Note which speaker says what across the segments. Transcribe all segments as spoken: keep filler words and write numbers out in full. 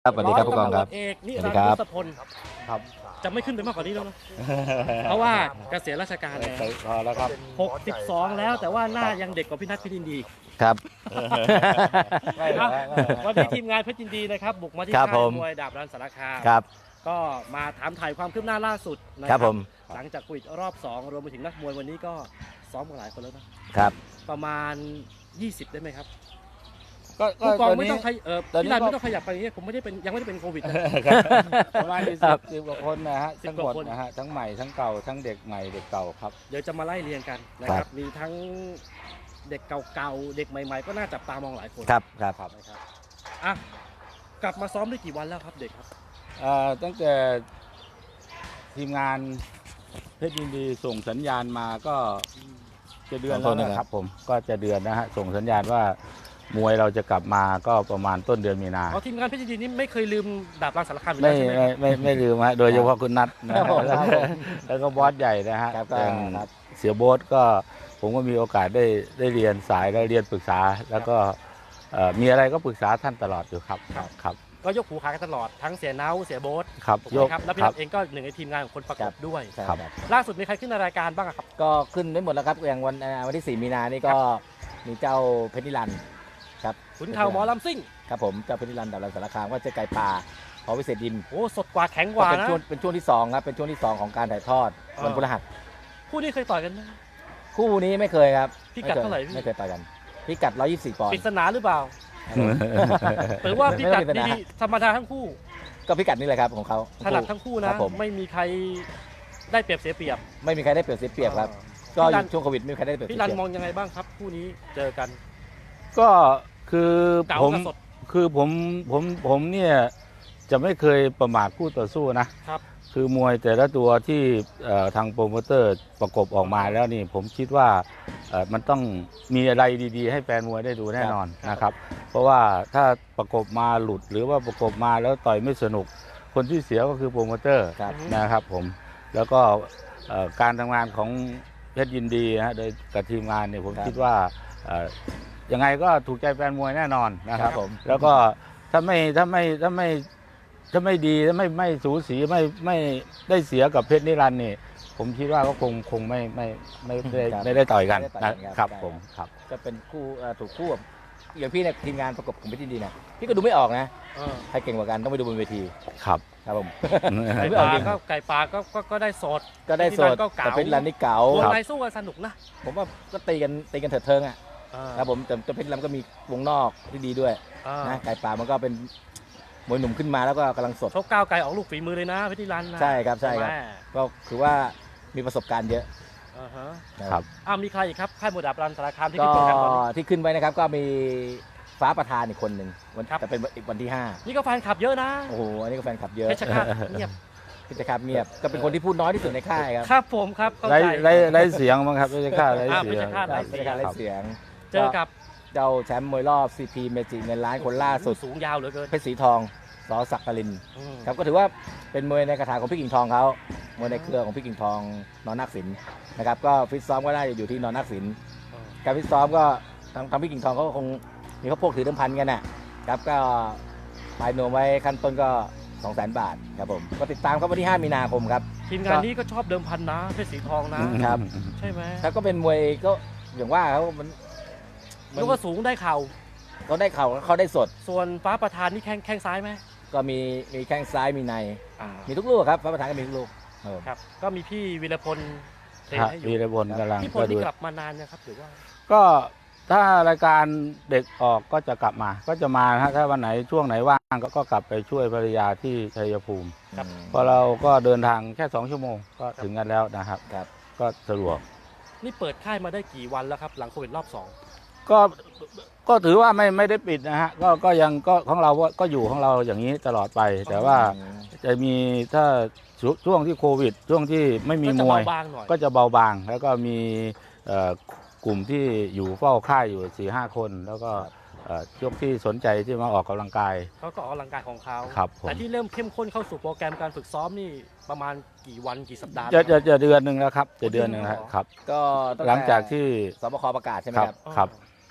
Speaker 1: ครับสวัสดีครับผู้กองครับ
Speaker 2: เอกนิ
Speaker 1: สวัส
Speaker 2: รั
Speaker 1: ดี
Speaker 2: นด
Speaker 1: ครับ
Speaker 2: ร์ทศพล
Speaker 3: ครับ
Speaker 2: จะไม่ขึ้นไปมากกว่านี้แล้วนะเพราะว่าเกษียณราชการแล้ว
Speaker 3: พอแล้วครับ
Speaker 2: หกสิบสองแล้วแต่ว่าหน้ายังเด็กกว่าพี่นัทเพชรยินดี
Speaker 1: ครับ
Speaker 3: ไม่เหรอไม่เหรอ
Speaker 2: วันนี้ทีมงานเพชรยินดีนะครับบุกมาที่
Speaker 1: ครับ
Speaker 2: ค่า
Speaker 1: ผ
Speaker 2: ย
Speaker 1: ม
Speaker 2: มวยดาบรันสารคาม
Speaker 1: ครับ
Speaker 2: ก็มาถามถ่ายความคืบหน้าล่าสุดนะ
Speaker 1: ค
Speaker 2: ค
Speaker 1: รั
Speaker 2: รั
Speaker 1: บบ ผม
Speaker 2: หลังจากคุยรอบสองรวมไปถึงนักมวยวันนี้ก็ซ้อมกันหลายคนแล้วนะครับ ประมาณยี่สิบได้ไหมครับ
Speaker 3: ก็ก็
Speaker 2: ผู้กอง
Speaker 3: ตอน
Speaker 2: ไม่
Speaker 3: นี้
Speaker 2: ต้องขยเออ
Speaker 3: ตอนนี้
Speaker 2: พี่รัน
Speaker 3: ก็
Speaker 2: ไม่ต้องขยับไปอย่างนี้ผมไม่ได้เป็นยังไม่ได้เป็นโควิดนะ
Speaker 3: ประมาณสิบ
Speaker 1: ครับ
Speaker 3: สิบกว่าคนนะฮะ
Speaker 2: สิบ
Speaker 3: ทั้ง
Speaker 2: ก
Speaker 3: หม
Speaker 2: ว่า
Speaker 3: ด
Speaker 2: คน
Speaker 3: นะฮะทั้งใหม่ทั้งเก่าทั้งเด็กใหม่เด็กเก่าครับ
Speaker 2: เดี๋ยวจะมาไล่เรียงกันนะครับ มีทั้งเด็กเก่าๆ เด็กใหม่ๆ ก็น่าจับตามองหลายคน
Speaker 1: ครับครับ
Speaker 2: นะครับอ่ะกลับมาซ้อมได้กี่วันแล้วครับเด็กครับ
Speaker 3: เอ่อตั้งแต่ทีมงานเพชรยินดีส่งสัญญาณมาก็จะเดือน
Speaker 1: ขอ
Speaker 3: แล้ว
Speaker 1: โทษนะครับ
Speaker 3: นะครับผมก็จะเดือนนะฮะส่งสัญญาณว่ามวยเราจะกลับมาก็ประมาณต้นเดือนมีนา
Speaker 2: อ๋อทีมงานเพชรยินดีนี่ไม่เคยลืมดาบรังสารคามอยู่
Speaker 3: ไม่
Speaker 2: แล้วใช่ไหม
Speaker 3: ไม่ไม่ไม่ลืมฮะโดยเฉพาะคุณนัทนะ
Speaker 1: ครั
Speaker 3: ฮะ
Speaker 1: บผม
Speaker 3: แล้วก็แล้วก็บอสใหญ่นะฮะ
Speaker 1: ครับ
Speaker 3: อย่าง
Speaker 1: ครับ
Speaker 3: เสียโบ๊ทก็ผมก็มีโอกาสได้ได้เรียนสายได้เรียนปรึกษา แล้วก็เอ่อมีอะไรก็ปรึกษาท่านตลอดอยู่ครับครับ
Speaker 2: ก็ยกหูขากันตลอดทั้งเสียเน้าเสียโบ๊ท
Speaker 3: ครับ
Speaker 2: ถูกไหมครับแล้วพี่
Speaker 3: ค
Speaker 2: รั
Speaker 3: รั
Speaker 2: ฐเองก็หนึ่งในทีมงานของคนประกบด้วย
Speaker 3: ครับ
Speaker 2: ล่าสุดมีใครขึ้นในรายการบ้างอะครับ
Speaker 1: ก็ขึ้นได้หมดแล้วครับอย่างวันเอ่อวันที่สี่มีนานี่ก็มีเจ้าเพชรนิรันดร์ครับ
Speaker 2: ขุนเข่าหมอลำซิ่ง
Speaker 1: ครับผมเจ้าเพชรนิรันดร์ดาบรันสารคามก็เจอไก่ป่าพอวิเศษดิน
Speaker 2: โอ้สดกว่าแข็งก
Speaker 1: ก็
Speaker 2: ว่า
Speaker 1: เป็น
Speaker 2: นะ
Speaker 1: ช่วงเป็นช่วงที่สองครับเป็นช่วงที่สองของการถ่ายทอด
Speaker 2: เออ
Speaker 1: วันพฤหัส
Speaker 2: คู่นี้เคยต่อยกันไหม
Speaker 1: คู่นี้ไม่เคยครับ
Speaker 2: พิกัดเท่าไหร่พี่
Speaker 1: ไม่เคยต่อยกันพิกัดหนึ่งร้อยยี่สิบสี่ปอน
Speaker 2: ปริ
Speaker 1: ด์
Speaker 2: ศนาหรือเปล่า
Speaker 1: ครับผม
Speaker 2: หรือว่าพิกัด
Speaker 1: ไม่เป็นไร
Speaker 2: ดีๆธรรมดาทั้งคู่
Speaker 1: ก็พิกัดนี่แหละครับของเขา
Speaker 2: ถนัดทั้งคู่
Speaker 1: ค
Speaker 2: นะ
Speaker 1: รับผม
Speaker 2: ไม่มีใครได้เปรียบเสียเปรียบ
Speaker 1: ไม่มีใครได้เปรียบเสียเปรียบครับ
Speaker 2: เออ
Speaker 1: ก็อ
Speaker 2: พี่รั
Speaker 1: ยู่
Speaker 2: น
Speaker 1: ช่วงโควิดไม่มีใครได้เปรียบเสี
Speaker 2: พี่
Speaker 1: ย
Speaker 2: รัน
Speaker 1: เปรียบ
Speaker 2: มองยังไงบ้างครับคู่นี้เจอกัน
Speaker 3: ก็คือ
Speaker 2: เก่า
Speaker 3: ผม
Speaker 2: กับสด
Speaker 3: คือผมผมผมเนี่ยจะไม่เคยประมาทคู่ต่อสู้นะครับ คือมวยแต่ละตัวที่เอ่อทางโปรโมเตอร์ประกบออกมาแล้วนี่ผมคิดว่าเอ่อมันต้องมีอะไรดีๆ ให้แฟนมวยได้ดูแน่นอนนะครับ เพราะว่าถ้าประกบมาหลุดหรือว่าประกบมาแล้วต่อยไม่สนุก คนที่เสียก็คือโปรโมเตอร์
Speaker 1: ครับ
Speaker 3: นะครับผมแล้วก็เอ่อการทำงานของเพชรยินดีนะฮะโดยกับทีมงานเนี่ยผม
Speaker 1: ครับ
Speaker 3: คิดว่าเอ่อยังไงก็ถูกใจแฟนมวยแน่นอนนะครับ
Speaker 1: ครับผม
Speaker 3: แล้วก็ถ้าไม่ถ้าไม่ถ้าไม่ถ้าไม่ดีถ้าไม่ไม่สูสีไม่ไม่ได้เสียกับเพชรนิรันดร์นี่ผมคิดว่าก็คงคงไม่ไม่ไม่ไม่ได้
Speaker 1: ครับ
Speaker 3: ไม่ได้ต่อยกัน
Speaker 1: ไม่ได้ต่อยกัน
Speaker 3: นะ
Speaker 1: ค
Speaker 3: ค
Speaker 1: รั
Speaker 3: รั
Speaker 1: บบ
Speaker 3: ผมครับ
Speaker 1: จะเป็นคู่เอ่อถูกคู่กับอย่างพี่เนี่ยทีมงานประกบของเพชรยินดีนะพี่ก็ดูไม่ออกนะ
Speaker 2: เออ
Speaker 1: ใครเก่งกว่ากันต้องไปดูบนเวที
Speaker 3: ครับ
Speaker 1: ครับผม
Speaker 2: ไก่
Speaker 1: ไม่
Speaker 2: ป
Speaker 1: ออ
Speaker 2: ลาก
Speaker 1: จริง
Speaker 2: ก็ไก่ปลาก็ก็ก็ได้สด
Speaker 1: ก็ได้สด
Speaker 2: ก็เก๋า
Speaker 1: แต่เพชรนิรันดร์นี่เก๋าว
Speaker 2: ง
Speaker 3: ครับ
Speaker 2: ในสู้กันสนุกนะ
Speaker 1: ผมว่าก็ตีกันตีกันเถิดเทิงอ่ะ
Speaker 2: เออ
Speaker 1: ครับผมแต่แต่เพชรนิรันดร์ก็มีวงนอกที่ดีด้วย
Speaker 2: เออ
Speaker 1: นะไก่ป่ามันก็เป็นมวยหนุ่มขึ้นมาแล้วก็กำลังสด
Speaker 2: ชกก้าวไกลออกลูกฝีมือเลยนะเพชรนิรันดร์นะ
Speaker 1: ใช่ครับใช่ครับ
Speaker 2: ไหม
Speaker 1: ก็คือว่ามีประสบการณ์เยอะ
Speaker 2: อ่าฮะ
Speaker 3: ครับ
Speaker 2: อ้าวมีใครอีกครับค่ายมวยดาบรันสารคามที่
Speaker 1: ก็
Speaker 2: ขึ้นเป็นกันตอนนี้
Speaker 1: ที่ขึ้นไว้นะครับก็มีฟ้าประธานอีกคนหนึ่งวัน
Speaker 2: ครับ
Speaker 1: แต่เป็นอีกวันที่ห้า
Speaker 2: นี่ก็แฟนคลับเยอะนะ
Speaker 1: โอ้โหอันนี้ก็แฟนคลับเยอะ
Speaker 2: เพชรฆาตเงียบ
Speaker 1: พิจารเงียบก็เป็นคนที่พูดน้อยที่สุดในค่ายครับ
Speaker 2: ครับผมครับเข้า
Speaker 3: ไล่
Speaker 2: ใจ
Speaker 3: ไล่ไล่เสียงมั้งครับไม่ใช่ค่าไล่
Speaker 2: อ่า
Speaker 3: เสียง
Speaker 2: ไม่ใช่ค่า
Speaker 1: ใช่พิจารไล่เสียง
Speaker 2: เจอกับ
Speaker 1: เจ้าแชมป์มวยรอบ ซี พี เมจิเงินล้านคนล่าสุด
Speaker 2: สูงยาวเหลือเกิน
Speaker 1: เพชรสีทองสอศักดิ์กลิน
Speaker 2: อืม
Speaker 1: ครับก็ถือว่าเป็นมวยในกระถาของพี่กิ่งทองเขามวยในเครือของพี่กิ่งทองนอนนักศิลป์นะครับก็ฟิตซ้อมก็ได้อยู่ที่นอนนักศิลป์
Speaker 2: เออ
Speaker 1: การฟิตซ้อมก็ทางทางพี่กิ่งทองเขาก็คงมีเขาพวกถือเดิมพันกันนะครับก็ปลายนวมไว้ขั้นต้นก็สองแสนบาทครับผมก็ติดตามครับวันที่ห้ามีนาคมครับ
Speaker 2: ทีมงานนี้ก็ชอบเดิมพันนะเพชรสีทองนะ
Speaker 1: ครับ
Speaker 2: ใช่ไหม
Speaker 1: แล้วก็เป็นมวยก็อย่างว่าเขามันมัน
Speaker 2: ลูกก็สูงได้เข่า
Speaker 1: เขาได้เข่าเขาได้สด
Speaker 2: ส่วนฟ้าประธานนี่แข้งแข้งซ้ายไหม
Speaker 1: ก็มีมีแข้งซ้ายมีใน
Speaker 2: อ่า
Speaker 1: มีทุกลูกครับพระประธานก็มีทุกลูกเออ
Speaker 2: ครับ ก็มีพี่วีรพลเทรน
Speaker 3: ครับ
Speaker 2: ให้อ
Speaker 3: วี
Speaker 2: ยู่
Speaker 3: รพลกำลัง
Speaker 2: พี่พล
Speaker 3: ก็ดู
Speaker 2: นี่กลับมานานนะครับหรือว่า
Speaker 3: ก็ถ้ารายการเด็กออกก็จะกลับมา ก็จะมานะฮะถ้าวันไหนช่วงไหนว่างก็ก็กลับไปช่วยภรรยาที่ชัยภูมิ
Speaker 2: ครับ
Speaker 3: เพราะเราก็เดินทางแค่สองชั่วโมงก็ถึงกันแล้วนะครับ
Speaker 1: ครับ
Speaker 3: ก็สะดวก
Speaker 2: นี่เปิดค่ายมาได้กี่วันแล้วครับ หลังโควิดรอบสอง
Speaker 3: ก็ก็ถือว่าไม่ไม่ได้ปิดนะฮะก็ก็ยังก็ของเราก็ก็อยู่ของเราอย่างนี้ตลอดไป แต่ว่าจะมีถ้าช่วช่วงที่โควิด ช่วงที่ไม่มี
Speaker 2: ก็
Speaker 3: ม
Speaker 2: จะ
Speaker 3: วย
Speaker 2: เบาบางหน่อย
Speaker 3: ก็จะเบาบาง แล้วก็มีเอ่อกลุ่มที่อยู่เฝ้าค่ายอยู่สี่ห้าคน แล้วก็เอ่อช่วงที่สนใจที่มาออกกำลังกาย
Speaker 2: เขาก็ออกกำลังกายของเขา
Speaker 3: ครับผม
Speaker 2: แต่ที่เริ่มเข้มข้นเข้าสู่โปรแกรมการฝึกซ้อมนี่ประมาณกี่วันกี่สัปดาห์
Speaker 3: จะจะจะเดือนหนึ่งแล้วครับจะเดือนหนึ่งแล้วครับ
Speaker 1: ก็ตั้แต่
Speaker 3: หลังจากที่
Speaker 1: สบคประกาศใช่ไหม
Speaker 3: ครับ
Speaker 1: ครับ
Speaker 3: ครับ
Speaker 1: ก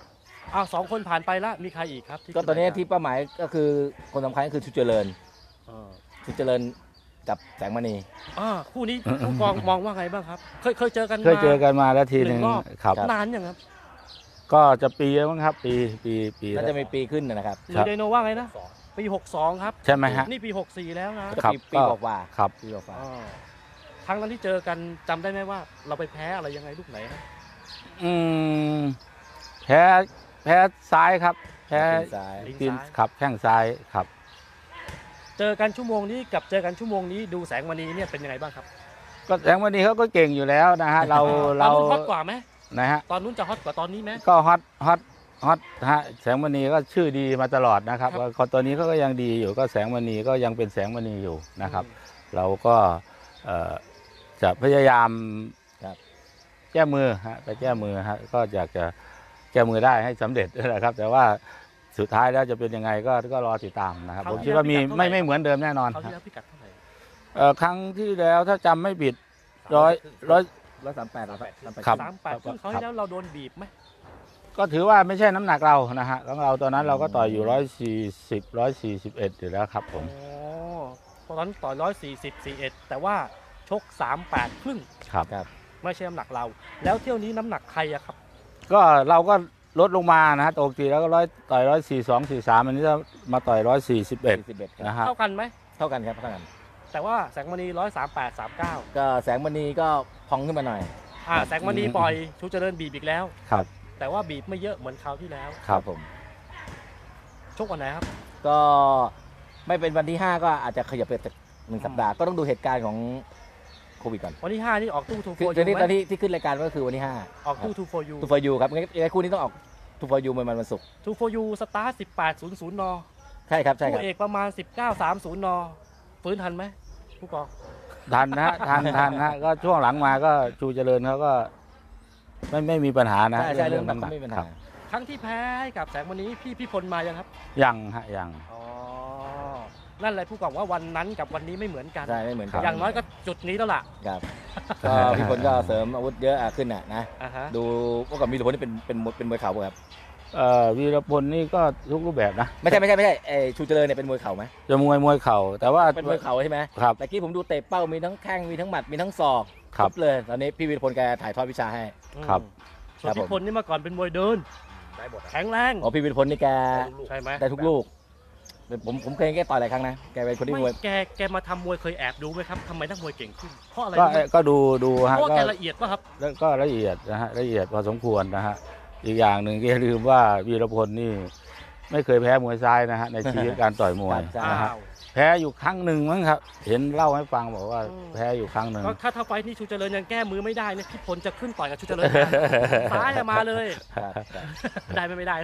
Speaker 2: อ้าวสองคนผ่านไปแล้วมีใครอีกครับที่
Speaker 1: ก็ตอนนี้ที่เป้าหมายก็คือคนสำคัญก็คือชุดเจริญ
Speaker 2: อ่า
Speaker 1: ชุดเจริญกับแสงมณี
Speaker 2: อ่าคู่นี้ผู้กองมองว่าไงบ้างครับ เคยเคยเจอกัน
Speaker 3: เคยเจอ
Speaker 2: มา
Speaker 3: กันมาแล้วทีห
Speaker 2: หนึ่
Speaker 3: นึ่ง
Speaker 2: งรอบ
Speaker 3: ครับ
Speaker 2: นานยังครับ
Speaker 3: ก็จะปีแล้วมั้งครับ ปีปีปี
Speaker 1: น่า
Speaker 3: แล้ว
Speaker 1: จะมีปีขึ้นนะครับ
Speaker 2: หรือไดโนว่าไงนะปีหกสองครับ
Speaker 3: ใช่ไหมฮะ
Speaker 2: นี่ปีหกสี่แล้วนะ
Speaker 1: ก็
Speaker 3: ครับ
Speaker 1: ปีปี
Speaker 3: ก็
Speaker 1: กว่า
Speaker 3: ครับ
Speaker 1: ๆปีกว่า
Speaker 2: อ่าครั้งนั้นที่เจอกันจำได้ไหมว่า เราไปแพ้อะไรยังไงลูกไหนนะ
Speaker 3: อืมแพ้แพ้ซ้ายครับ
Speaker 1: ๆ
Speaker 3: แพ้
Speaker 1: ปีซ้าย
Speaker 2: ลิ้น
Speaker 3: ตีน
Speaker 2: ซ้าย
Speaker 3: ขับแข้งซ้ายครับ
Speaker 2: เจอกันชั่วโมงนี้กับเจอกันชั่วโมงนี้ดูแสงมณีเนี่ยเป็นยังไงบ้างครับ
Speaker 3: ก็แสงวันนี้เขาก็เก่งอยู่แล้วนะฮะ เรา
Speaker 2: ตอ
Speaker 3: เรา
Speaker 2: นนู้นฮอตกว่าไหม
Speaker 3: นะฮะ
Speaker 2: ตอนนู้นจะฮอตกว่าตอนนี้ไหม
Speaker 3: ก็ฮอตฮอตฮอตฮะแสงมณีก็ชื่อดีมาตลอดนะครับ
Speaker 2: ครับ
Speaker 3: ก็ตัวนี้เขาก็ยังดีอยู่ก็แสงมณีก็ยังเป็นแสงมณีอยู่นะครับ เราก็เอ่อจะพยายาม
Speaker 1: ครับ
Speaker 3: แก้มือฮะไปแก้มือฮะก็อยากจะแก้มือได้ให้สำเร็จนะครับ แต่ว่าสุดท้ายแล้วจะเป็นยังไงก็ก็รอติดตามนะครับ ผมคิดว่ามีไม่ไม่เหมือนเดิมแน่นอน
Speaker 2: เขาว
Speaker 3: ครั
Speaker 2: ที่
Speaker 3: บ
Speaker 2: แล้วพิกัดเท่าไหร่
Speaker 3: เอ่อครั้งที่แล้วถ้าจำไม่ผิดร้อยร้อย
Speaker 1: ร้อยสามแปดร้อยสามแปด
Speaker 3: ครับ
Speaker 2: สามแปดซึ่งเขาวที่แล้วเราโดนบีบไหม
Speaker 3: ก็ถือว่าไม่ใช่น้ำหนักเรานะฮะของเราตอนนั้นเราก็ต่อยอยู่ร้อยสี่สิบร้อยสี่สิบเอ็ดอยู่แล้วครับผม
Speaker 2: อ๋อตอนนั้นต่อยร้อยสี่สิบสี่เอ็ดแต่ว่าชกสามแปดครึ่ง
Speaker 3: ครับ
Speaker 1: ครับ
Speaker 2: ไม่ใช่น้ำหนักเรา แล้วเที่ยวนี้น้ำหนักใครอะครับ
Speaker 3: ก็เราก็ลดลงมานะฮะปกติแล้วก็ร้อยต่อยร้อยสี่สองสี่สามอันนี้จะมาต่อยร้อยสี่สิบเอ็ด
Speaker 1: สี่สิบเอ็ดครับ
Speaker 3: นะฮะ
Speaker 2: เท่ากันไหม
Speaker 1: เท่ากันครับเท่ากัน
Speaker 2: แต่ว่าแสงมณีร้อยสามแปดสามเก้า
Speaker 1: ก็แสงมณีก็พองขึ้นมาหน่อย
Speaker 2: อ่าแสงมณีปล่อยชูเจริญบีบอีกแล้ว
Speaker 3: ครับ
Speaker 2: แต่ว่าบีบไม่เยอะเหมือนคราวที่แล้ว
Speaker 3: ครับ
Speaker 1: ผม
Speaker 2: ชกวันไหนครับ
Speaker 1: ก็ไม่เป็นวันที่ห้าก็อาจจะขยับไปสักหนึ่งสัปดาห์ก็ต้องดูเหตุการณ์ของโควิดก่อน
Speaker 2: วันที่ห้านี่ออกตู้ทูโฟ
Speaker 1: คือ
Speaker 2: ยู
Speaker 1: ตอนนี้
Speaker 2: ไห
Speaker 1: ต
Speaker 2: ม
Speaker 1: อนที่ที่ขึ้นรายการก็คือวันที่ห้า
Speaker 2: ออกตู้ทูโฟยู
Speaker 1: ทูฟอยูครับงั้นไอ้คู่นี้ต้องออกทูฟอยูมันวันศุกร์
Speaker 2: ทูโฟยูสตาร์ทสิบแปดศูนย์ศูนย์น
Speaker 1: ใช่ครับใช่ค
Speaker 2: คู่
Speaker 1: รับ
Speaker 2: เอกประมาณสิบเก้าสามศูนย์นฟื้นทันไหมผู้กอง
Speaker 3: ทันนะฮะทันทันฮะก็ช่วงหลังมาก็ชูเจริญเขาก็ไม่ไม่มีปัญหานะ
Speaker 1: ใช่ใช่เรื่องนั้นก็ไม่มีปัญ
Speaker 3: ค
Speaker 1: หา
Speaker 3: รับ
Speaker 2: ครั้งที่แพ้ให้กับแสงมณีพี่พี่พลมายังครับ
Speaker 3: ยังฮะยัง
Speaker 2: อ๋อ นั่นเลยผู้กองว่าวันนั้นกับวันนี้ไม่เหมือนกัน
Speaker 1: ใช่ไม่เหมือนกัน
Speaker 2: อย่างน้อยก็จุดนี้แล้วล่ะ
Speaker 1: ครับก็พี่พลก็เสริมอาวุธเยอะอ่ะขึ้นอ่ะนะ
Speaker 2: อ่าฮะ
Speaker 1: ดูพวกกับมีหลวงพลนี่เป็นเป็นมวยเป็นมวยเข่าป่ะครับ
Speaker 3: เอ่อวีรพลนี่ก็ทุกรูปแบบนะ
Speaker 1: ไม่ใช่ไม่ใช่ไม่ใช่ไอชูเจริญเนี่ยเป็นมวยเข่าไหม
Speaker 3: จะมวยมวยเข่าแต่ว่า
Speaker 1: เป็นมวยเข่าใช่ไหม
Speaker 3: ครับ
Speaker 1: แต่กี้ผมดูเตะเป้ามีทั้งแข้งมีทั้งหมัดมีทั้งศอก
Speaker 3: ครับ
Speaker 1: เลย ตอนนี้พี่วีรพลแกถ่ายทอดวิชาให้
Speaker 3: ครับ
Speaker 2: ส่วน
Speaker 1: ครับผม
Speaker 2: พี่พลนี่เมื่อก่อนเป็นมวยเดิน
Speaker 1: ได้หมด
Speaker 2: แข็งแรง
Speaker 1: อ๋อพี่วีรพลนี่แก
Speaker 2: ใช่ไหม
Speaker 1: ได้ทุกลูกผมผมเคยเห็นแกต่อยหลายครั้งนะแกเป็นคนที่มวย
Speaker 2: ไม่แกแกมาทำมวยเคยแอบดูไหมครับทำไมนักมวยเก่งขึ้น เพราะอะไร
Speaker 3: ก็
Speaker 2: รู้ไหม
Speaker 3: ก็ดูดูฮะ
Speaker 2: เพราะว่า
Speaker 3: ก็
Speaker 2: แกละเอียดป่ะครับ
Speaker 3: แล้วก็ละเอียดนะฮะละเอียดพอสมควรนะฮะอีกอย่างหนึ่งก็อย่าลืมว่าวีรพลนี่ไม่เคยแพ้มวยซ้ายนะฮะในชีวิตการต่อยมวย
Speaker 1: ใช่
Speaker 3: นะฮะ
Speaker 2: อ้าว
Speaker 3: แพ้อยู่ครั้งหนึ่งมั้งครับ เห็นเล่าให้ฟังบอกว่า
Speaker 2: อืม
Speaker 3: แพ้อยู่ครั้งหนึ่ง
Speaker 2: ก็ถ้าถ้าไฟท์นี่ชูเจริญยังแก้มือไม่ได้เนี่ยพี่พลจะขึ้นต่อยกับชูเจริญนะซ้ายอะมาเลย
Speaker 1: ครับครับ
Speaker 2: ได้ไหมไม่ได้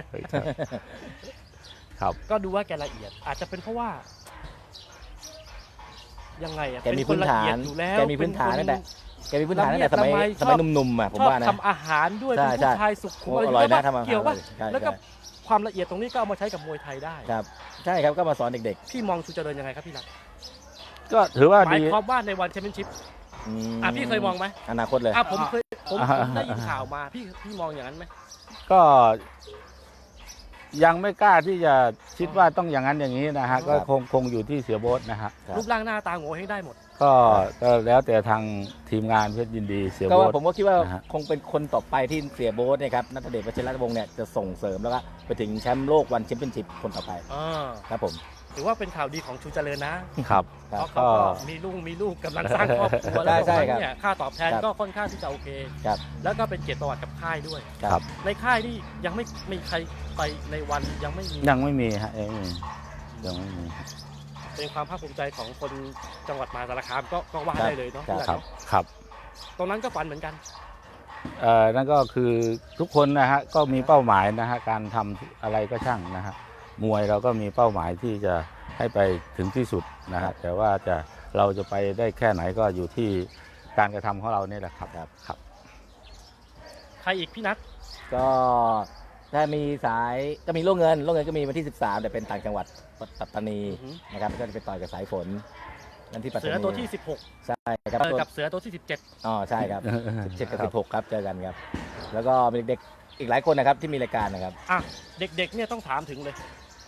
Speaker 3: ครับ
Speaker 2: ก็ดูว่าแกละเอียด อาจจะเป็นเพราะว่า ยังไงอะ
Speaker 1: แกมี
Speaker 2: เป็
Speaker 1: พื้น
Speaker 2: ละ
Speaker 1: ฐา
Speaker 2: เอีย
Speaker 1: น
Speaker 2: ดอยู่แล้ว
Speaker 1: แกมีพื้นฐาน
Speaker 2: เป็
Speaker 1: ตั้งแต่แกมีพื้นฐานตั้งแต่สมัย
Speaker 2: ละเมียด
Speaker 1: สมัย
Speaker 2: ละไม
Speaker 1: หนุ่มๆอ่ะผม
Speaker 2: ชอบ
Speaker 1: ว่านะ
Speaker 2: ทำอาหารด้วย
Speaker 1: ใช่
Speaker 2: เป็น
Speaker 1: ใช่
Speaker 2: ผู้ชายสุขุม
Speaker 1: โอ้อร่อยนะ
Speaker 2: เกี่ว
Speaker 1: ทำอาหาร
Speaker 2: เกี่ยวป่ะ
Speaker 1: ใช่
Speaker 2: แล้วก็
Speaker 1: ใช่
Speaker 2: ความละเอียดตรงนี้ก็เอามาใช้กับมวยไทยได้
Speaker 1: ครับใช่ครับก็มาสอนเด็ก
Speaker 2: พี่มองชูเจริญยังไงครับพี่นัท
Speaker 3: ก็ถือว่า
Speaker 2: หมาย
Speaker 3: ดี
Speaker 2: ความว่าในวันแชมเปี้ยนชิพ
Speaker 1: ๆอืม
Speaker 2: อ่ะพี่เคยมองไหม
Speaker 1: อนาคตเลย
Speaker 2: อ่ะผมเคยผม
Speaker 3: อ่า
Speaker 2: ผมได้ยินข่าวมาพี่พี่มองอย่างนั้นไหม
Speaker 3: ก็ยังไม่กล้าที่จะคิดว่าต้องอย่างนั้นอย่างนี้นะฮะ
Speaker 2: อ๋อ
Speaker 3: ก็คงคงอยู่ที่เสียโบ๊ทนะฮะ
Speaker 1: ครับ
Speaker 2: รูปร่างหน้าตาโง่ให้ได้หมด
Speaker 3: ก็ก็แล้วแต่ทางทีมงานเพชรยินดีเสีย
Speaker 1: ก็
Speaker 3: โบ๊
Speaker 1: ว่า
Speaker 3: ท
Speaker 1: ผมก็คิดว่า
Speaker 3: นะฮะ
Speaker 1: คงเป็นคนต่อไปที่เสียโบ๊ทเนี่ยครับนัทเดชวชิรวงศ์เนี่ยจะส่งเสริมแล้วก็ไปถึงแชมป์โลกวันแชมเปี้ยนชิพคนต่อไป
Speaker 2: อ่า
Speaker 1: ครับผม
Speaker 2: ถือว่าเป็นข่าวดีของชูเจริญนะ
Speaker 3: ครับ
Speaker 1: ครั
Speaker 2: เพ
Speaker 1: บ
Speaker 2: ราะเขาก็มีลูกมีลูกกำลังสร้างครอบครัว
Speaker 1: ใช่
Speaker 2: แล้ว
Speaker 1: ใช่
Speaker 2: ตรง
Speaker 1: ครั
Speaker 2: นั้
Speaker 1: บ
Speaker 2: นเนี่ยค่าตอบแทน
Speaker 1: ครับ
Speaker 2: ก็ค่อนข้างที่จะโอเค
Speaker 1: ครับ
Speaker 2: แล้วก็เป็นเกียรติประวัติกับค่ายด้วย
Speaker 3: ครับ
Speaker 2: ในค่ายนี่ยังไม่มีใครไปในวันยังไม่มี
Speaker 3: ยังไม่มีฮะยังไม่มียังไม่มี
Speaker 2: เป็นความภาคภูมิใจของคนจังหวัดมหาสารคามก็ก็ว่า
Speaker 1: ครับ
Speaker 2: ได้เลยเนาะ
Speaker 1: ครับ
Speaker 3: ครับครับ
Speaker 2: ตรงนั้นก็ฝันเหมือนกัน
Speaker 3: เอ่อนั่นก็คือทุกคนนะฮะก็มีเป้าหมายนะฮะการทำอะไรก็ช่างนะฮะมวยเราก็มีเป้าหมายที่จะให้ไปถึงที่สุดนะฮะแต่ว่าจะเราจะไปได้แค่ไหนก็อยู่ที่การกระทำของเราเนี่ยแหละครับ
Speaker 1: ครับ
Speaker 3: ครับ
Speaker 2: ใครอีกพี่นัท
Speaker 1: ก็ถ้ามีสายก็มีโล่เงินโล่เงินก็มีวันที่สิบสามแต่เป็นต่างจังหวัดปัตตานีนะครับก็จะไปต่อยกับสายฝนนั่นที่ปัตตานี
Speaker 2: เสือตัวที่สิบหก
Speaker 1: ใช่ครับ
Speaker 2: เจอกับเสือตัวที่สิบเจ็ด
Speaker 1: อ๋อใช่ครับสิบเจ็ดกับสิบหกครับเจอกันครับ แล้วก็มีเด็กอีกหลายคนนะครับที่มีรายการนะครับ
Speaker 2: อ่ะเด็กๆเนี่ยต้องถามถึงเลย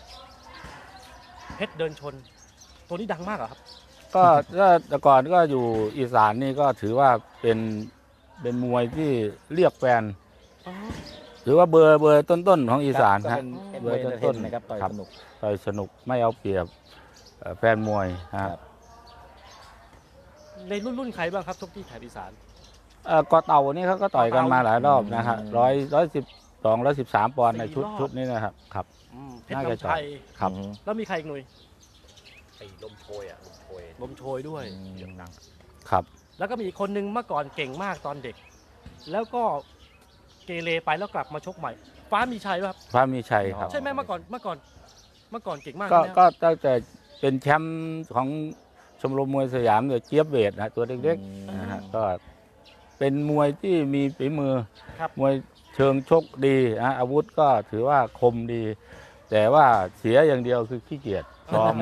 Speaker 2: เพชรเดินชน ตัวนี้ดังมากเหรอครับ
Speaker 3: ก็ก็แต่ก่อนก็อยู่อีสานนี่ก็ถือว่าเป็นเป็นมวยที่เรียกแฟน
Speaker 2: อ๋อ
Speaker 3: ถือว่าเบอร์เบอร์ต้นๆของอีสาน
Speaker 1: ก็
Speaker 3: ฮะ
Speaker 1: เป็น
Speaker 3: เบ
Speaker 1: เบ
Speaker 3: อ
Speaker 1: อ
Speaker 3: ร์
Speaker 1: ร์
Speaker 3: ต้
Speaker 1: ต้
Speaker 3: น
Speaker 1: น
Speaker 3: ๆ
Speaker 1: ๆนะครับต่อย
Speaker 3: ครับ
Speaker 1: สนุก
Speaker 3: ต่อยสนุกไม่เอาเปรียบเอ่อแฟนมวยฮะ
Speaker 1: ครับ
Speaker 2: ในรุ่นรุ่นใครบ้างครับชกที่แถบอีสาน
Speaker 3: เอ่อกอเต่านี่เขาก็ต่อยกันมาหลายรอบนะฮะ
Speaker 1: อืม
Speaker 3: ร้อยร้อยสิบสองร้อยสิบสามปอนด์ในชุด
Speaker 2: สี่รอบ
Speaker 3: ชุดนี้นะครับครับ
Speaker 2: อืมเพชร
Speaker 3: น่าจะ
Speaker 2: น้ำชัย
Speaker 3: ครับ
Speaker 1: อืม
Speaker 2: แล้วมีใครอีกหน่วย
Speaker 4: ไอ้ลมโชยอ่ะลมโชย
Speaker 2: ลมโชยด้วย
Speaker 4: เสียงดัง
Speaker 3: ครับ
Speaker 2: แล้วก็มีอีกคนนึงเมื่อก่อนเก่งมากตอนเด็ก แล้วก็เกเรไปแล้วกลับมาชกใหม่ ฟ้ามีชัยป่ะครับ
Speaker 3: พระมีชัยครับ
Speaker 2: ใช่ไหมเมื่อก่อนเมื่อก่อนเมื่อก่อนเก่งมาก
Speaker 3: ก็
Speaker 2: ใช่ไหม
Speaker 3: ก็ตั้งแต่เป็นแชมป์ของชมรมมวยสยามเนี่ยเจี๊ยบเวทนะตัวเล็กๆนะฮะก็เป็นมวยที่มีฝีมือ
Speaker 2: ครับ
Speaker 3: มวยเชิงชกดีนะอาวุธก็ถือว่าคมดี แต่ว่าเสียอย่างเดียวคือขี้เกียจซ้อม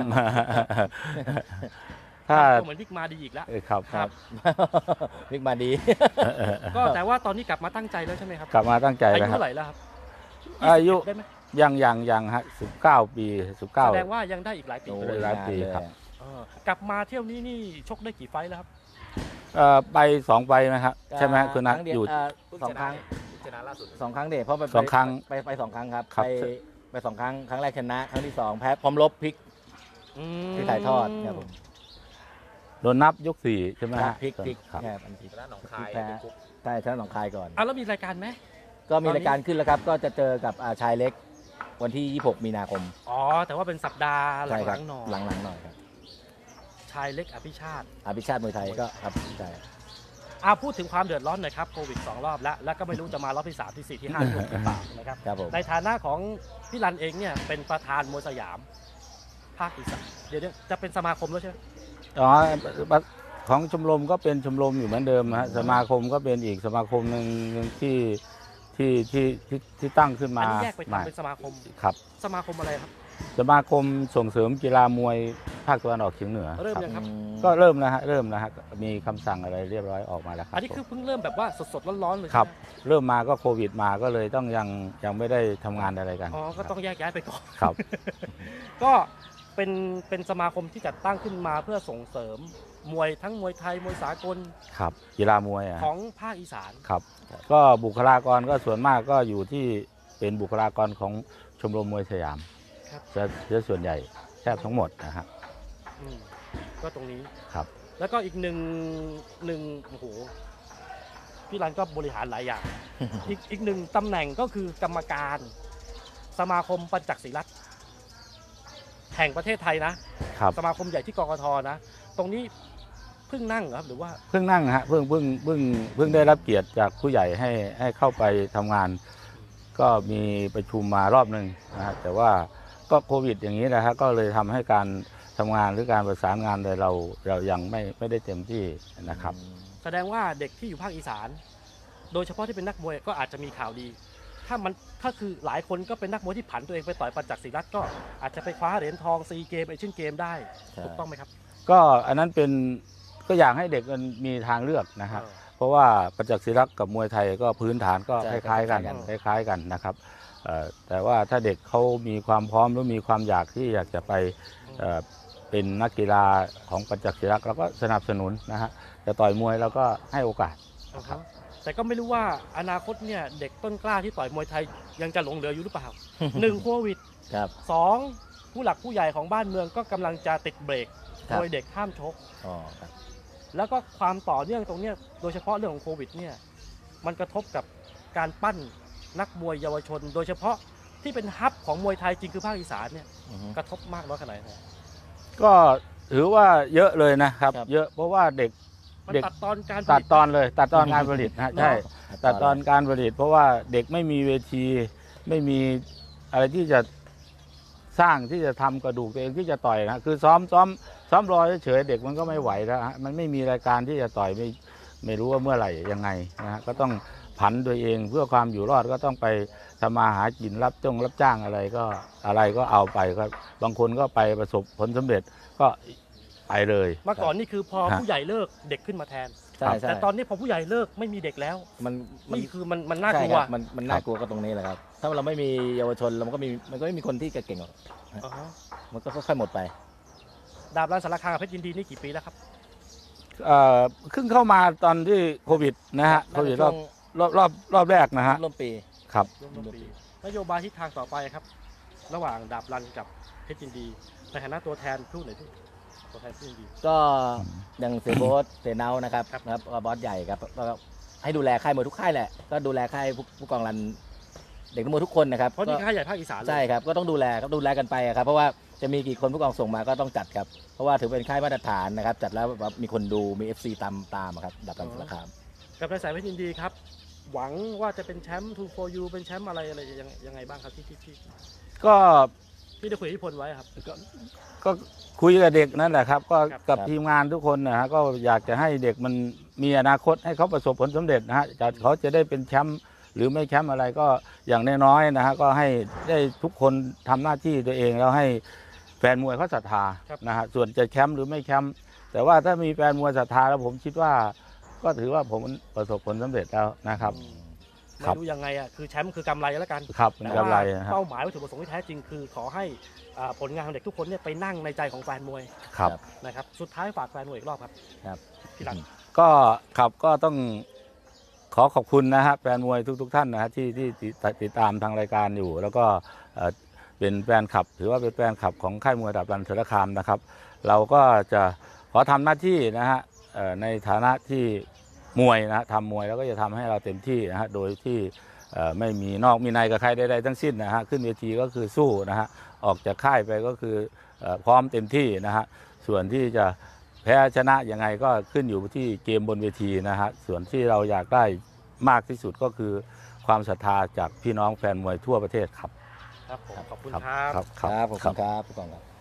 Speaker 3: ถ้า
Speaker 2: ก็เหมือนวิกมาดีอีกแล้ว
Speaker 3: เออครับ
Speaker 2: ครับ
Speaker 1: วิกมาดี
Speaker 2: ก็แต่ว่าตอนนี้กลับมาตั้งใจแล้วใช่ไหมครับ
Speaker 3: กลับมาตั้งใจ
Speaker 2: อา
Speaker 3: แล้ว
Speaker 2: ยุ
Speaker 3: ครับ
Speaker 2: เท่าไหร่แล้วครับ
Speaker 3: อายุ
Speaker 2: ได้ไหม
Speaker 3: ยังยังยังฮะสิบเก้าปีสิบเก้า
Speaker 2: แสดงว่ายังได้อีกหลายปี
Speaker 1: โอ้
Speaker 3: เลย
Speaker 1: ย
Speaker 3: หลาย
Speaker 1: นาน
Speaker 3: ปี
Speaker 1: เลย
Speaker 3: ครับ
Speaker 2: เออกลับมาเที่ยวนี้นี่ชกได้กี่ไฟท์แล้วครับ
Speaker 3: เอ่อไปสองใบไหมครับใช่ไหมฮะคุณนัท
Speaker 1: รั้งเดีว
Speaker 3: อยู่
Speaker 1: เอ่อ
Speaker 4: เพิ่ง
Speaker 1: สอง
Speaker 4: ช
Speaker 1: ค
Speaker 4: นะ
Speaker 1: รั้ง
Speaker 4: เพิ่งชนะล่าสุด
Speaker 1: สองครั้งเด็เพราะไป
Speaker 3: สองครั้ง
Speaker 1: ไปไปสองครั้งครับ
Speaker 3: ครับ
Speaker 1: ไปไปสองครั้งครั้งแรกชนะครั้งที่สองแพ้พร้อมลบพลิก
Speaker 2: อืม
Speaker 1: ที่ถ่ายทอดครับผม
Speaker 3: โดนนับยกสี่ใช่ไหม
Speaker 1: ครับ
Speaker 3: ฮะ
Speaker 1: พลิกพลิก
Speaker 3: ครับ
Speaker 1: แค่อันพลิก
Speaker 4: ชนะหนองคาย
Speaker 1: แพ้
Speaker 4: เป็นกุ๊ก
Speaker 1: ใช่ชนะหนองคายก่อน
Speaker 2: อ่ะแล้วมีรายการไหม
Speaker 1: ก็มี
Speaker 2: ตอนนี้
Speaker 1: รายการขึ้นแล้วครับ ก็จะเจอกับอ่าชายเล็กวันที่ยี่สิบหกมีนาคม
Speaker 2: อ๋อแต่ว่าเป็นสัปดาห์ห
Speaker 1: ใช่ค
Speaker 2: ลั
Speaker 1: รับ
Speaker 2: งๆหน่อย
Speaker 1: หลังๆหน่อยครับ
Speaker 2: ชายเล็กอภิชาติ
Speaker 1: อาภิชาติมวยไทยก็ครับใช่
Speaker 2: อาพูดถึงความเดือดร้อนหน่อยครับโควิดสองรอบแล้ว แล้วก็ไม่รู้จะมารอบที่สามที่สี่ที่ห้าที่หกหรือเปล่านะครับ
Speaker 1: ครับผม
Speaker 2: ในฐานะของพี่รันเองเนี่ยเป็นประธานมวยสยาม ภาคอีสานเดี๋ยวเดี๋ยวจะเป็นสมาคมแล้วใช่ไหม
Speaker 3: อ๋อของชมรมก็เป็นชมรมอยู่เหมือนเดิมนะฮะสมาคมก็เป็นอีกสมาคมหนึ่งหนึ่งที่ที่ที่ที่ที่ตั้งขึ้น
Speaker 2: อั
Speaker 3: มา
Speaker 2: นนี้แยกไป
Speaker 3: ใหม่
Speaker 2: ทำเป็นสมาคม
Speaker 3: ครับ
Speaker 2: สมาคมอะไรครับ
Speaker 3: สมาคมส่งเสริมกีฬามวยภาคตะวันออกเฉียงเหนือ
Speaker 2: เริ่ม
Speaker 3: ครับ
Speaker 2: ยังครับ
Speaker 1: อืม
Speaker 3: ก็เริ่มแล้วฮะเริ่มแล้วฮะมีคำสั่งอะไรเรียบร้อยออกมาแล้วครับ
Speaker 2: อันนี้คือเพิ่งเริ่มแบบว่าสดๆร้อนๆเลย
Speaker 3: ครับ
Speaker 2: ใช่ไหม
Speaker 3: เริ่มมาก็โควิดมาก็เลยต้องยังยังไม่ได้ทำงานอะไรกัน
Speaker 2: อ๋อก็ต้องแยกย้ายไปก่อน
Speaker 3: ครับ
Speaker 2: ก็เป็นเป็นสมาคมที่จัดตั้งขึ้นมาเพื่อส่งเสริมมวยทั้งมวยไทยมวยสากล
Speaker 3: ครับกีฬามวยอะ
Speaker 2: ของภาคอีสาน
Speaker 3: ครับ ก็บุคลากรก็ส่วนมากก็อยู่ที่เป็นบุคลากรของชมรมมวยสยาม
Speaker 2: ครับ
Speaker 3: จะจะส่วนใหญ่แทบทั้งหมดนะฮะ
Speaker 2: อืมก็ตรงนี้
Speaker 3: ครับ
Speaker 2: แล้วก็อีกหนึ่งหนึ่งโอ้โหพี่รันก็บริหารหลายอย่าง อีกอีกหนึ่งตำแหน่งก็คือกรรมการ สมาคมปัญจักศิรัตน์แห่งประเทศไทยนะ
Speaker 3: ครับ
Speaker 2: สมาคมใหญ่ที่กกทนะ ตรงนี้เพิ่งนั่งเหรอครับหรือว่า
Speaker 3: เพิ่งนั่งฮะเพิ่งเพิ่งเพิ่งเพิ่งได้รับเกียรติจากผู้ใหญ่ให้ให้เข้าไปทำงาน ก็มีประชุมมารอบหนึ่งนะฮะแต่ว่าก็โควิดอย่างนี้นะฮะก็เลยทำให้การทำงานหรือการประสานงานเลยเราเรายังไม่ไม่ได้เต็มที่นะครับ
Speaker 2: แสดงว่าเด็กที่อยู่ภาคอีสาน โดยเฉพาะที่เป็นนักมวยก็อาจจะมีข่าวดี ถ้ามันถ้าคือหลายคนก็เป็นนักมวยที่ผันตัวเองไปต่อยปัญจักศิรัตน์ก็อาจจะไปคว้าเหรียญทองซีเกมเอเชียนเกมได้
Speaker 1: ใช่
Speaker 2: ถูกต้องไหมครับ
Speaker 3: ก็อันนั้นเป็นก็อยากให้เด็กมันมีทางเลือกนะฮะ
Speaker 2: เออ
Speaker 3: เพราะว่าประจักษ์ศิรักษ์กับมวยไทยก็พื้นฐานก็
Speaker 1: ใช่
Speaker 3: คล้ายๆกัน
Speaker 1: ค
Speaker 3: ค
Speaker 1: ล้ายๆกัน
Speaker 3: ล้ายๆกันนะครับเอ่อแต่ว่าถ้าเด็กเขามีความพร้อมหรือมีความอยากที่อยากจะไปเอ่อเป็นนักกีฬาของประจักษ์ศิรักษ์เราก็สนับสนุนนะฮะจะต่อยมวยเราก็ให้โอกาส
Speaker 2: อ่าฮะแต่ก็ไม่รู้ว่าอนาคตเนี่ยเด็กต้นกล้าที่ต่อยมวยไทยยังจะหลงเหลืออยู่หรือเปล่า หนึ่งโควิด
Speaker 1: ครับ
Speaker 2: สองผู้หลักผู้ใหญ่ของบ้านเมืองก็กำลังจะติดเบรก
Speaker 1: ครับ
Speaker 2: โดยเด็กห้ามชก
Speaker 1: อ๋อครับ
Speaker 2: แล้วก็ความต่อเนื่องตรงเนี้ยโดยเฉพาะเรื่องของโควิดเนี่ยมันกระทบกับการปั้นนักมวยเยาวชน โดยเฉพาะที่เป็นฮับของมวยไทยจริงคือภาคอีสานเนี่ย
Speaker 1: อือฮึ
Speaker 2: กระทบมากน้อยขนาดไหน
Speaker 3: ก็ถือว่าเยอะเลยนะครับ
Speaker 1: ครับ
Speaker 3: เยอะเพราะว่าเด็ก
Speaker 2: มัน
Speaker 3: เด็ก
Speaker 2: ตัดตอนการผ
Speaker 3: ตัด
Speaker 2: ลิต
Speaker 3: ตอนเลย ตัดตอนการผลิตนะฮะใช่ ตัดตอนการผลิต เพราะว่าเด็กไม่มีเวทีไม่มีอะไรที่จะสร้างที่จะทำกระดูกตัวเองที่จะต่อยนะคือซ้อมซ้อมซ้อมรอเฉยๆเด็กมันก็ไม่ไหวแล้วฮะมันไม่มีรายการที่จะต่อยไม่ไม่รู้ว่าเมื่อไหร่ยังไงนะฮะก็ต้องผันตัวเองเพื่อความอยู่รอดก็ต้องไปทำมาหากินรับจ้างรับจ้างอะไรก็อะไรก็เอาไปก็บางคนก็ไปประสบผลสำเร็จก็ไปเลย
Speaker 2: เมื่อก่อนนี่คือพอ
Speaker 3: ฮะ
Speaker 2: ผู้ใหญ่เลิกเด็กขึ้นมาแทน
Speaker 1: ใช่ใช่
Speaker 2: แต่ตอนนี้พอผู้ใหญ่เลิกไม่มีเด็กแล้ว
Speaker 1: มันมัน
Speaker 2: นี่คือมันมันน่า
Speaker 1: ใช่
Speaker 2: กลัว
Speaker 1: ครับมันมันน่ากลัวก็ตรงนี้แหละครับ ถ้าเราไม่มีเยาวชนเรามันก็มีมันก็ไม่มีคนที่เก่งๆหรอก
Speaker 2: อ่าฮะ
Speaker 1: มันก็ค่อยๆหมดไป
Speaker 2: ดาบรันสารคามกับเพชรยินดีนี่กี่ปีแล้วครับ
Speaker 3: เอ่อเพิ่งเข้ามาตอนที่โควิดนะฮะโควิดรอบรอบรอบรอบแรกนะฮะ
Speaker 1: ร่วมปี
Speaker 3: ครับ
Speaker 2: ร่วมร่วมปีนโยบายทิศทางต่อไปครับ ระหว่างดาบรันกับเพชรยินดีในฐานะตัวแทนพูดหน่อยพี่ตัวแทนเพชรยินดี
Speaker 1: ก็อย่างเซโบสเซเนานะครับ
Speaker 2: ครับ
Speaker 1: นะครับก็บอสใหญ่ครับก็ให้ดูแลค่ายมวยทุกค่ายแหละก็ดูแลค่ายผู้ผู้กองรันเด็กนักมวยทุกคนนะครับ
Speaker 2: เพราะนี่
Speaker 1: ก็
Speaker 2: ค่ายใหญ่ภาคอีสานเลย
Speaker 1: ใช่ครับก็ต้องดูแลครับดูแลกันไปอะครับเพราะว่าจะมีกี่คนผู้กองส่งมาก็ต้องจัดครับเพราะว่าถือเป็นค่ายมาตรฐานนะครับจัดแล้วแบบมีคนดูมี เอฟ ซี ตามตามอะครับดับรันสารคาม
Speaker 2: กับนายสายเพชรยินดีครับ หวังว่าจะเป็นแชมป์ทูโฟยูเป็นแชมป์อะไรอะไรยังยังไงบ้างครับที่ที่ที่
Speaker 3: ก็
Speaker 2: ที่ได้คุยกับพี่พลไว้ครับ
Speaker 3: ก็ก็คุยกับเด็กนั่นแหละครับ ก็
Speaker 2: ครับ
Speaker 3: กับทีมงานทุกคนนะฮะก็อยากจะให้เด็กมันมีอนาคตให้เขาประสบผลสำเร็จนะฮะจะเขาจะได้เป็นแชมป์หรือไม่แชมป์อะไรก็อย่างน้อยๆนะฮะก็ให้ได้ทุกคนทำหน้าที่ตัวเองแล้วให้แฟนมวยเขาศรัทธานะฮะส่วนจะแชมป์หรือไม่แชมป์แต่ว่าถ้ามีแฟนมวยศรัทธาแล้วผมคิดว่า ก็ถือว่าผมประสบผลสำเร็จแล้วนะครับ
Speaker 2: อืม
Speaker 3: ครั
Speaker 2: ไม่
Speaker 3: บ
Speaker 2: รู้ยังไงอ่ะคือแชมป์คือกำไรแล้วกัน
Speaker 3: ครับเป็น
Speaker 2: แต่
Speaker 3: กำ
Speaker 2: ว่า
Speaker 3: ไรนะฮะ
Speaker 2: เป้าหมายวัตถุประสงค์ที่แท้จริงคือขอให้อ่าผลงานของเด็กทุกคนเนี่ยไปนั่งในใจของแฟนมวย
Speaker 3: ครับ
Speaker 2: นะครับสุดท้ายฝากแฟนมวยอีกรอบครับ
Speaker 1: ครับ
Speaker 2: พี่หลัง
Speaker 3: ก็ครับก็ต้องขอขอบคุณนะฮะแฟนมวยทุกๆท่านนะฮะที่ที่ติดติดตามทางรายการอยู่ แล้วก็เอ่อเป็นแฟนคลับ ถือว่าเป็นแฟนคลับของค่ายมวยดาบรันสารคามนะครับ เราก็จะขอทำหน้าที่นะฮะเอ่อในฐานะที่มวยนะฮะทำมวยแล้วก็จะทำให้เราเต็มที่นะฮะโดยที่เอ่อไม่มีนอกมีในกับใครใดๆทั้งสิ้นนะฮะขึ้นเวทีก็คือสู้นะฮะออกจากค่ายไปก็คือเอ่อพร้อมเต็มที่นะฮะส่วนที่จะแพ้ชนะยังไงก็ขึ้นอยู่ที่เกมบนเวทีนะฮะส่วนที่เราอยากได้มากที่สุดก็คือความศรัทธาจากพี่น้องแฟนมวยทั่วประเทศครับ
Speaker 2: ครับผมขอบคุณ
Speaker 3: ครับ
Speaker 2: ครับ
Speaker 3: ครับ
Speaker 1: ครับขอบคุณครับผู้กองครับ